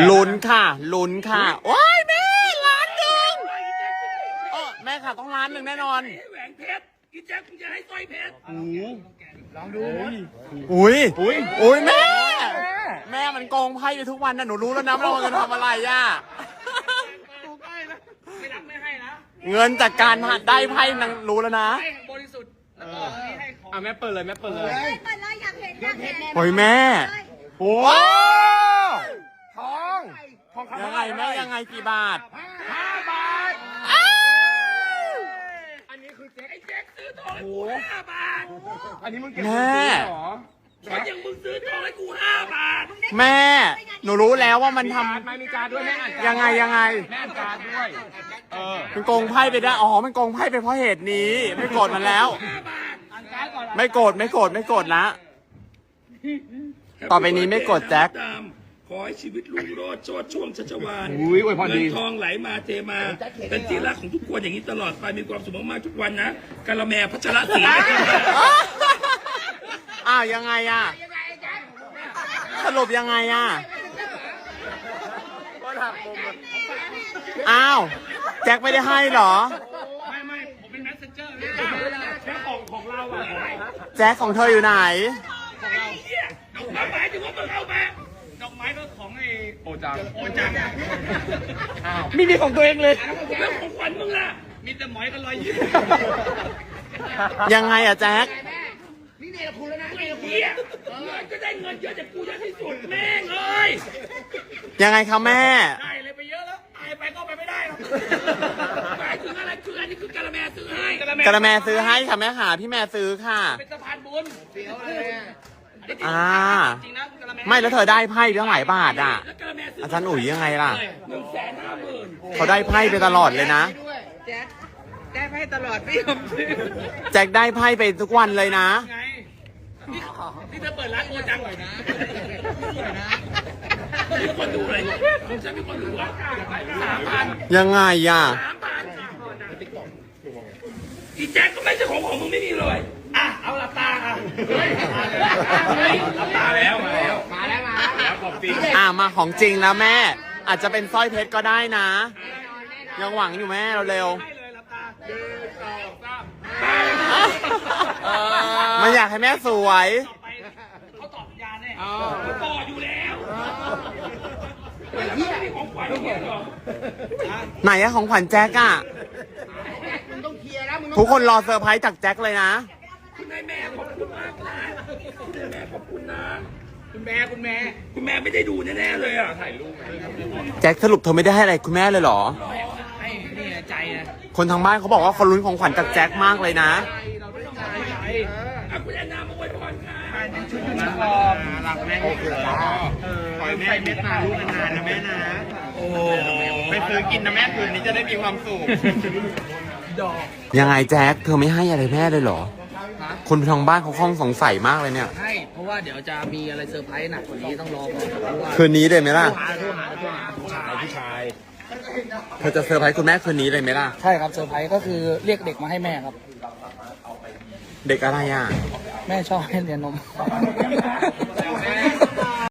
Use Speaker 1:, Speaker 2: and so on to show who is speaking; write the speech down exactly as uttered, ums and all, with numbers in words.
Speaker 1: ลุ้นค่ะลุ้นค่ะโอ้ยแม่ล้านหนึ่งเออแม่ค่ะต้องล้านหนึ่งแน่นอน
Speaker 2: แหวนเพชรอีแจ็คมึงจะให้สร้อยเพชร
Speaker 3: ลองดู
Speaker 1: อุ้ยอุ้ยอุ้ยแม่แม่มันโกงไพ่ไปทุกวันนะหนูรู้แล้วนะว่าเราจะทำอะไรอ่ะ
Speaker 2: ไม่รักไม่ให้นะ
Speaker 1: เงินจากการได้ไพ่นังรู้แล้วนะ
Speaker 2: ให้บริสุทธิ์แล้วก็นี่ให้ของ
Speaker 3: อ่ะแม่เปิดเลยแม่เปิดเลย
Speaker 4: เปิดเลยอยากเห็นอยากเห็น
Speaker 1: โอ้ยแม่โอ้ทองทองยังไงแม่ยังไงกี่บาท
Speaker 3: ห้าบาท
Speaker 2: อันนี้คือแจ็คไอ้แจ็คซื้อทองให้กูห้าบาท
Speaker 3: อันนี้มึงเก็บ
Speaker 1: แม่
Speaker 3: เหรอ
Speaker 2: ฉันยังมึงซื้อทองให้กูห้าบาท
Speaker 1: แม่หนูรู้แล้วว่ามันท
Speaker 3: การไม่มีการด้วยแม่อ่าน
Speaker 1: ำยังไงยังไง
Speaker 3: แม่อ่านการด้วยเออ
Speaker 1: มันโกงไพ่ไปได้อ๋อมันโกงไพ่ไปเพราะเหตุนี้ไม่โกรธมันแล้ว
Speaker 2: ห้าบาทอ่านการ์ดก่อน
Speaker 1: ไม่โกรธไม่โกรธไม่โกรธละต่อไปนี้ไม่โกรธแจ็ค
Speaker 2: ขอให้ชีวิตลุงโรดโชดช่วงชัชวาล
Speaker 3: อุ้ยอวยพร
Speaker 2: เงิ
Speaker 3: ดี
Speaker 2: นทองไหลมาเทมา เป็นที่รักของทุกคนอย่างนี้ตลอดไปมีความสุขมากๆทุกวันนะกะละแมพัชรศรี
Speaker 1: อ้าวยังไงอ่ะสรุปยังไงอ่ะอ้าวแจ็คไม่ได้ให้เหรอ
Speaker 2: ไม่ไม่ผมเป็นแมสเซนเจอร์แค่ของของเราอะ
Speaker 1: แจ็คของเธออยู่ไหน
Speaker 2: ของเราเนี่ยดอกไม้หมายถึงว่ามึงเอามาดอกไม้ก็ของไอ้
Speaker 3: โอจัง
Speaker 2: โอจัง
Speaker 3: มีมีของตัวเองเลย
Speaker 2: แล้วของขวัญมึงล่ะมีแต่หมอยกับรอยยิ้ม
Speaker 1: ยังไงอ่ะแจ็ค
Speaker 2: นี่เนี่ยคุณแล้วนะไอ้เหี้ยเงินก็ได้เงินเยอะจากกูเยอะที่สุดแม่งเอ้ย
Speaker 1: ยังไงคะแม่
Speaker 2: ได้เลยไปเยอะแล้วตายไปก็ไปไม่ได้หรอกหมายถึงอะไรคืออันนี้คือกะละแมซื้อให้
Speaker 1: กระแมซื้อให้ค่ะแม่หาพี่แม่ซื้อค่ะ
Speaker 2: เป็นสะพานบุญเสียวเลย
Speaker 1: อ่า
Speaker 2: จริงนะกะละแม
Speaker 1: ไม่แล้วเธอได้ไพ่ตั้งหลายบาทอ่ะ
Speaker 2: แล้วกะละแมซื้อ
Speaker 1: อาจารย์อุ๋ยยังไงล่ะ
Speaker 2: หนึ่งแสนห้าหมื่น
Speaker 1: เขาได้ไพ่ไปตลอดเลยนะ
Speaker 4: แจ๊ดได้ให้ตลอดไม่ยอมซื้อ
Speaker 1: แจ็คได้ไพ่ไปทุกวันเลยนะ
Speaker 2: ไงนี่นี่เธอเปิดร้านโอจังหน่อยนะมีคนดูเลยของฉันมีคนดูอ่ะสามพัน
Speaker 1: ยังไงอ่ะ
Speaker 2: สามพันอีแจ็คก็ไม่ใช่ของของมึงไม่มีเลยอ่ะเอาหลับตาอ่ะเฮ้ยเฮ้ยหลับตาแล้วมาแล้วมาแล้วมาแล้วของจริง
Speaker 1: อ่ามาของจริงแล้วแม่ อาจจะเป็นสร้อยเพชรก็ได้นะ ยังหวังอยู่แม่เราเร็ว
Speaker 2: ให้เลยหลับตาหนึ่งสองสาม
Speaker 1: มันอยากให้แม่สวย
Speaker 2: ต่อไปเขาตอบสัญญาแน่เขาต่ออยู่แล้วไม่แล้วไม่มีของขวัญไม่เหรอ
Speaker 1: ไหนอะของขวัญแจ็คอะทุกคนรอเซอร์ไพรส์จากแจ็คเลยนะ
Speaker 2: คุณนายแม่ขอบคุณมากนะคุณนายแม่ขอบคุณนะคุณแม่คุณแม่คุณแม่ไม่ได้ดูแน่ๆเลยอ่ะถ่ายรูป
Speaker 1: แจ็คสรุปเธอไม่ได้ให้อะไรคุณแม่เลยเหรอ
Speaker 2: ให้นี่นะใจนะ
Speaker 1: คนทางบ้านเขาบอกว่าเขาลุ้นของขวัญจากแจ็คมากเลยนะ
Speaker 2: เราไม่ต้องใจใจอ่ะคุณแอนนามาอวยพรค่ะ
Speaker 3: หลักแม่โอเคขอให้แม่เมตตาลูกนานๆนะแม่นะโอ้ไปซื้อกินนะแม่คืนนี้จะได้มีความสุข
Speaker 1: ยังไงแจ็คเธอไม่ให้อะไรแม่เลยเหรอ คนทางบ้านเขาคล่องสงสัยมากเลยเนี่ย
Speaker 2: ใช่เพราะว่าเดี๋ยวจะมีอะไรเซอร์ไพรส์หนักกว่านี้ต้องรอก่อนเพราะว่า
Speaker 1: คืนนี้เลยไหมล่ะ
Speaker 2: หาโทรหาโทรหาผู้ชายผู้ชาย
Speaker 1: เธอจะเซอร์ไพรส์คุณแม่คืนนี้เลยไหมล่ะ
Speaker 2: ใช่ครับเซอร์ไพรส์ก็คือเรียกเด็กมาให้แม่ครับ
Speaker 1: เด็กอะไรอ่ะ
Speaker 2: แม่ชอบให้เรียนนม